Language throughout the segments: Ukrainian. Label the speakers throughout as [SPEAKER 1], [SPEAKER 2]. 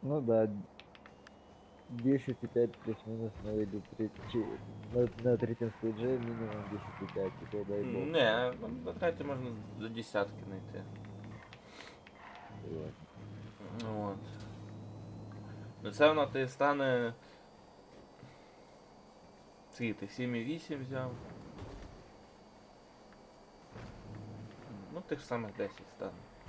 [SPEAKER 1] Ну да, 10,5 плюс-минус, но или на третьем стейдже минимум 10,5, такой дай бог.
[SPEAKER 2] Не, на треті можна до десятки знайти.
[SPEAKER 1] Согласен.
[SPEAKER 2] Ну от. Ну це воно ти стане. Скільки ти 7,8 взяв. Ну тих самих 10 стане.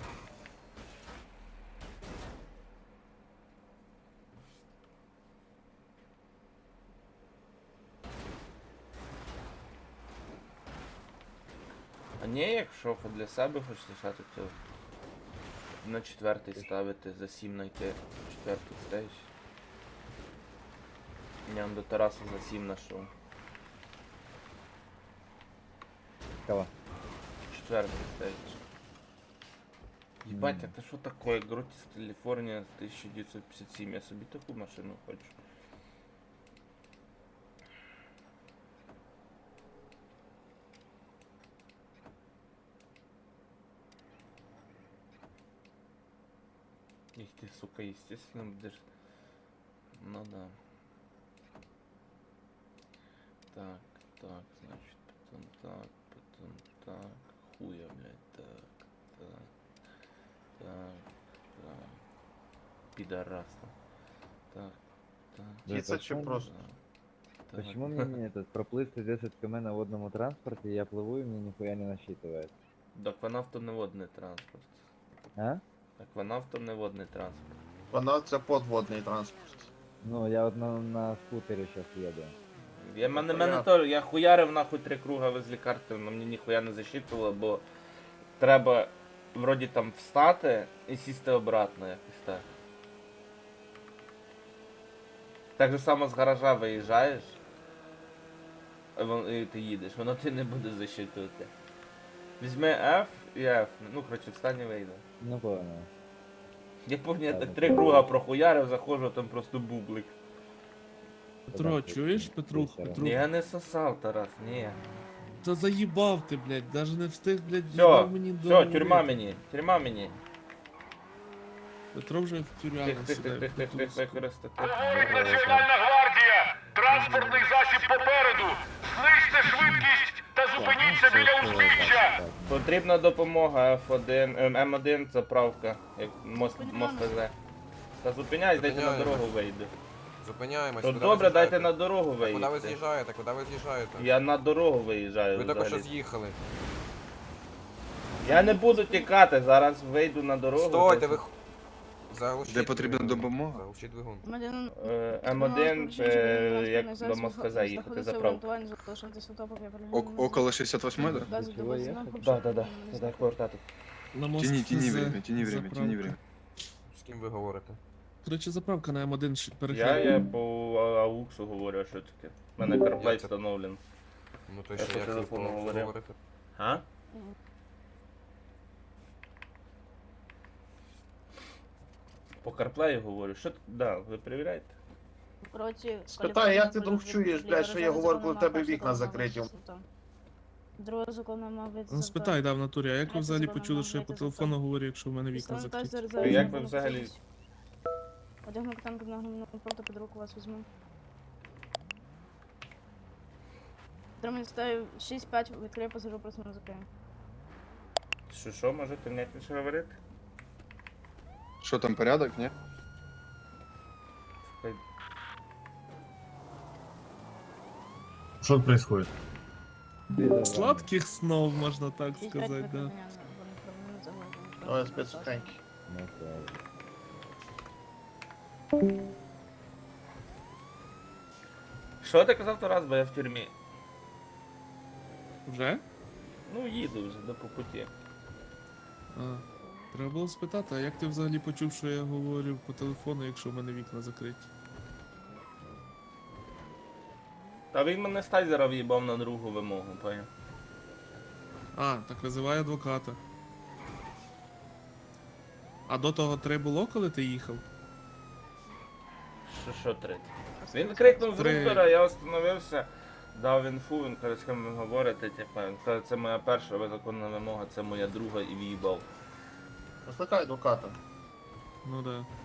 [SPEAKER 2] А ні, якщо для себе хочеш лишати, то на четвертий ставити, за 7 знайти четвертий стейдж. Я до Тараса за 7 знайшов.
[SPEAKER 1] Кого?
[SPEAKER 2] Четвертий стейдж. Ебать, это что такое? Гротис Калифорния 1957. Я собі таку машину хочу. Их ты, сука, естественно, будешь... Ну да. Так, так, значит, потом так. Хуя, блядь, так, так. Пидорасна. Так.
[SPEAKER 1] Да
[SPEAKER 3] Птица чи
[SPEAKER 1] почему-
[SPEAKER 3] просто?
[SPEAKER 2] Так.
[SPEAKER 1] Почему мне не этот проплыть 10 км на водному транспорте, я плыву и мне нихуя не насчитывает?
[SPEAKER 2] Акванавто не водний транспорт.
[SPEAKER 1] А?
[SPEAKER 2] Акванавто не водний транспорт.
[SPEAKER 3] Вона це подводний транспорт.
[SPEAKER 1] Ну, я вот на скутере сейчас еду.
[SPEAKER 2] Я хуярив нахуй 3 круга возле карти, але мені ніхуя не засчитувало, бо треба вроді там встати і сісти обратно якось так. Так же само з гаража виїжджаєш, і ти їдеш, воно ти не буде засчитувати. Візьми F і F, ну коротше встань і вийде.
[SPEAKER 1] Ну, понял.
[SPEAKER 2] Я пам'ятаю, я так
[SPEAKER 1] Ладно,
[SPEAKER 2] 3 круга прохуярив, заходжу, там просто бублик.
[SPEAKER 4] Петро,
[SPEAKER 1] Так,
[SPEAKER 4] чуєш,
[SPEAKER 1] так,
[SPEAKER 4] Петрух,
[SPEAKER 1] так,
[SPEAKER 4] Петрух?
[SPEAKER 2] Я не сосав, Тарас, ні.
[SPEAKER 4] Та заїбав ти, блядь, даже не встиг, блядь,
[SPEAKER 2] Все,
[SPEAKER 4] не дав мені
[SPEAKER 2] все,
[SPEAKER 4] договорити.
[SPEAKER 2] тюрма мені.
[SPEAKER 4] Петро вже в тюрягу сідає.
[SPEAKER 2] Тих,
[SPEAKER 5] Говорить Національна гвардія! Транспортний засіб попереду! Знизьте швидкість та зупиніться біля узбіччя!
[SPEAKER 2] Потрібна допомога F1, М1 заправка, як мост ХЗ. Та зупиняйся, дайте на
[SPEAKER 6] Зупиняємо.
[SPEAKER 2] дорогу вийду.
[SPEAKER 6] Зупиняємось.
[SPEAKER 2] То
[SPEAKER 6] куди
[SPEAKER 2] добре,
[SPEAKER 6] ви
[SPEAKER 2] дайте
[SPEAKER 6] з'їжджаєте?
[SPEAKER 2] на дорогу
[SPEAKER 6] Куди ви
[SPEAKER 2] виїдьте.
[SPEAKER 6] з'їжджаєте? Куди ви з'їжджаєте?
[SPEAKER 2] Я на дорогу виїжджаю
[SPEAKER 6] Ви тільки що
[SPEAKER 2] взагалі.
[SPEAKER 6] з'їхали.
[SPEAKER 2] Я не буду тікати, зараз вийду на дорогу.
[SPEAKER 6] Стойте, ви... Заглушіть
[SPEAKER 7] Де потрібна
[SPEAKER 6] двигун.
[SPEAKER 7] допомога?
[SPEAKER 6] Заглушіть двигун.
[SPEAKER 2] М1 це як до Москва їхати заправка.
[SPEAKER 7] Около 68 да?
[SPEAKER 1] Чего ехать?
[SPEAKER 2] Да, треба повертати.
[SPEAKER 4] На мост
[SPEAKER 7] Тяни
[SPEAKER 4] ХЗ
[SPEAKER 7] время, тяни время,
[SPEAKER 4] заправка.
[SPEAKER 7] тяни время.
[SPEAKER 6] З ким ви говорите?
[SPEAKER 4] Коротше, заправка на М1
[SPEAKER 2] Я
[SPEAKER 4] перехід.
[SPEAKER 2] по ауксу говорю, а що таке. У мене CarPlay
[SPEAKER 6] Як це?
[SPEAKER 2] встановлений.
[SPEAKER 6] Ну то
[SPEAKER 2] Я
[SPEAKER 6] що,
[SPEAKER 2] по
[SPEAKER 6] як ви
[SPEAKER 2] телефону
[SPEAKER 6] по
[SPEAKER 2] говорив.
[SPEAKER 6] говорите?
[SPEAKER 2] А? По CarPlay говорю. Що ти? Да, ви перевіряєте?
[SPEAKER 3] Спитай, як ти, друг, чуєш, блядь, що я говорю, коли в тебе вікна закриті?
[SPEAKER 8] Другого закону, мабуть,
[SPEAKER 4] Ну спитай, да, в натурі, а як ви взагалі почули, що я по телефону говорю, якщо в мене вікна закриті?
[SPEAKER 2] Як ви взагалі-
[SPEAKER 8] Одягну танк на проти під руку вас візьму. Тримай стаю 6-5, відкрию пасажу, просто не закрию.
[SPEAKER 2] Що, можете внятніше говорити?
[SPEAKER 7] Що там, порядок, ні?
[SPEAKER 3] Що происходит?
[SPEAKER 4] Сладких снов, можна так
[SPEAKER 8] 6-5
[SPEAKER 4] сказати, да.
[SPEAKER 8] виконання, вони загалом.
[SPEAKER 3] Ой, спецсухенький.
[SPEAKER 1] Ну, правильно.
[SPEAKER 2] Що ти казав Тарас, бо я в тюрмі?
[SPEAKER 4] Вже?
[SPEAKER 2] Ну, їду вже, по путі.
[SPEAKER 4] А, треба було спитати, а як ти взагалі почув, що я говорю по телефону, якщо в мене вікна закриті?
[SPEAKER 2] Та він мене з тайзера в'їбав на другу вимогу, поняв?
[SPEAKER 4] А, так визивай адвоката. А до того 3 було, коли ти їхав?
[SPEAKER 2] Що третє? Він крикнув з
[SPEAKER 4] Три.
[SPEAKER 2] рупера, я остановився, дав інфу, він каже, з ким ви говорите, типа, він каже, це моя перша законна вимога, це моя друга і в'їбав.
[SPEAKER 3] Викликай адвоката.
[SPEAKER 4] Ну да.